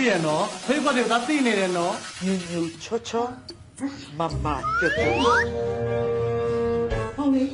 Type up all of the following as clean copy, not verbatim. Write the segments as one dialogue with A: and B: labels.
A: ရနော်ဖေးခွက်တွေဒါသိနေတယ်နော်
B: ညူညူချောချောမမတွတ်
C: ဟုတ်လေ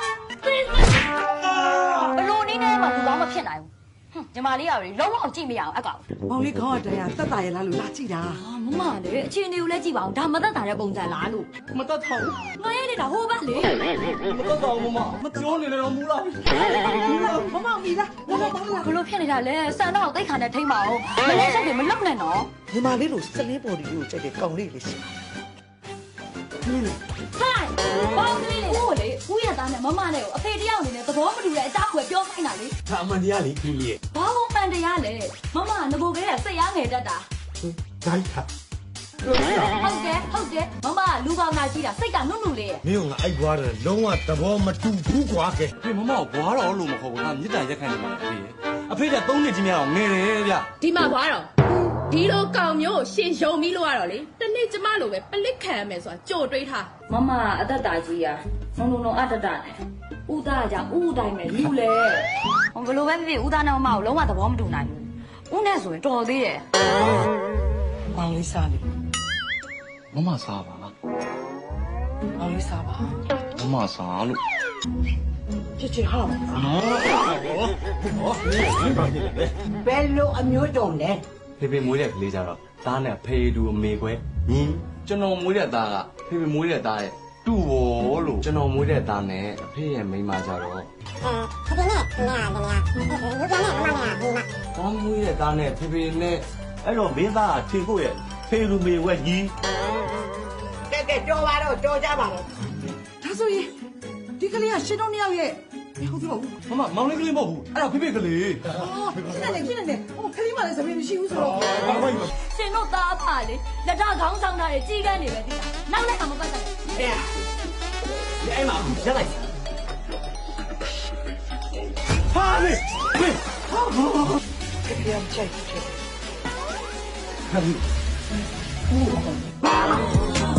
D: ဘလို့နည်းနဲ့မှလူကောင်းမဖြစ်နိုင်ဘူးညီမလေးကလေလုံးဝကြည့်မရအောင်အကောင်
C: မောင်လေးခေါင်းကတရားတက်တာရလားလို့လာကြည့်တာ
D: မမလေအခြေအနေကိုလည်းကြည့်ပါအောင်ဒါမသက်တာတဲ့ပုံစံလားလို့
A: မတတ်ထောင်
D: ငါရဲနေတာဟိုဘက်လေ
A: မတတ်တော့မမပြောနေတယ်တော့မူလား
C: မမောင်မီလားမမောင်မောင်လား
D: ဘလို့ဖြစ်နေတာလဲစံတော့တိတ်ခါနဲ့ထိမ့်ပါအောင်မလဲချက်တွေမလောက်နဲ့နော်
B: ညီမလေးတို့စနေပေါ်ဒီကိုကြိုက်တဲ့ကောင်လေးလေးရှိ
D: ဟိုင်ဘောင်းကလေးလေးဟိုလေဦးရသားနဲ့မမနဲ့ကိုအဖေတယောက်အနေနဲ့သဘောမတူတဲ့အကြောင်းကိုပြောခိုင်းတာလေ
A: ဒါအမှန်တရားလေခင်ကြီးရဲ့
D: ဘာလို့ပန်တရားလဲမမငကိုကလေးကစိတ်အားငယ်တတ်တာ
A: ဒါကြီးဟာ
D: ဟုတ်တယ်မမလူပေါင်းနာကြီးတာစိတ်ကနုနုလေးရဲ့
E: မင်းကငါအိုက်ွားတယ်လုံးဝသဘောမတူဘူးကွာကဲ
A: ဖေမမကိုဘွားတော်လို့မဟုတ်ဘူးငါမြစ်တာရက်ခံနေမှာဖေးအဖေက3နှစ်ကြီးများအောင်ငယ်တယ်ဗျ
F: ဒီမှာဘွားတော့ဒီလိုကောင်မျိုးကိုရှင်ယုံပြီးလို့ရတော့လေတနေ့ကျမလိုပဲပလစ်ခံရမယ်ဆိုတာကြိုတွေးထား
D: မမအသက်တာကြီးอ่ะနုံနုံနုံအတတနဲ့ဥသားကြောင့်ဥတိုင်းမဲ့လူလေဟိုဘလို့ပဲဖြစ်ဥသားနဲ့မမကိုလုံးဝသဘောမတူနိုင်ဘူးဥနဲ့ဆိုရင်တော်သေးတယ်
B: မောင်လေးစားလေ
A: မမစားပါ
B: မောင်လေးစားပါ
A: မမစားလို့
B: ချစ်ချစ်ဟာ
A: နော်
C: ဘယ်လိုအမျိုးတုံလဲ
A: ဖေဖေမွေးတဲ့ကလေးကြတော့သားနဲ့ဖေတူအမေခွဲညီကျွန်တော်မွေးတဲ့သားကဖေဖေမွေးတဲ့သားရဲ့တူ့ဘောလို့ကျွန်တော်မွေးတဲ့သားနဲ့အဖေရဲ့မိန်းမကြတော့
G: ဖေဖေနဲ့ခင်ဗျာလူပြန်နဲ့မမနဲ့ဒီမှာ
A: သားမွေးတဲ့သားနဲ့ဖေဖေနဲ့
E: အဲ့တော့မင်းသားကထင်ဖို့ရဲ့ဖေလူမေဝဲကြီး
C: ကဲကြောပါတော့ကြောကြပါတော့ဒါဆိုရင်ဒီကလေးကရှင်တို့နှစ်ယောက်ရဲ့ဟုတ်ပြီဟုတ်
A: မမမောင်လေးကလေးမဟုတ်ဘူးအဲ့ဒါဖေဖေကလေး
C: ဖြစ်နေဖြစ်နေဟိုကလေးမလည်းစပင်းမရှိဘူးဆိုတော့
D: ရှင်တို့သားအဖလေလက်ထခေါင်းဆောင်တာတွေကြီးကန်းနေပဲဒီနောက်လည်းအမပတ်တယ်
E: အဲ့မှာရက်လိုက်ဟာလေဟေး
B: ပြန်ချိုက်ချစ်
A: ဟဲ့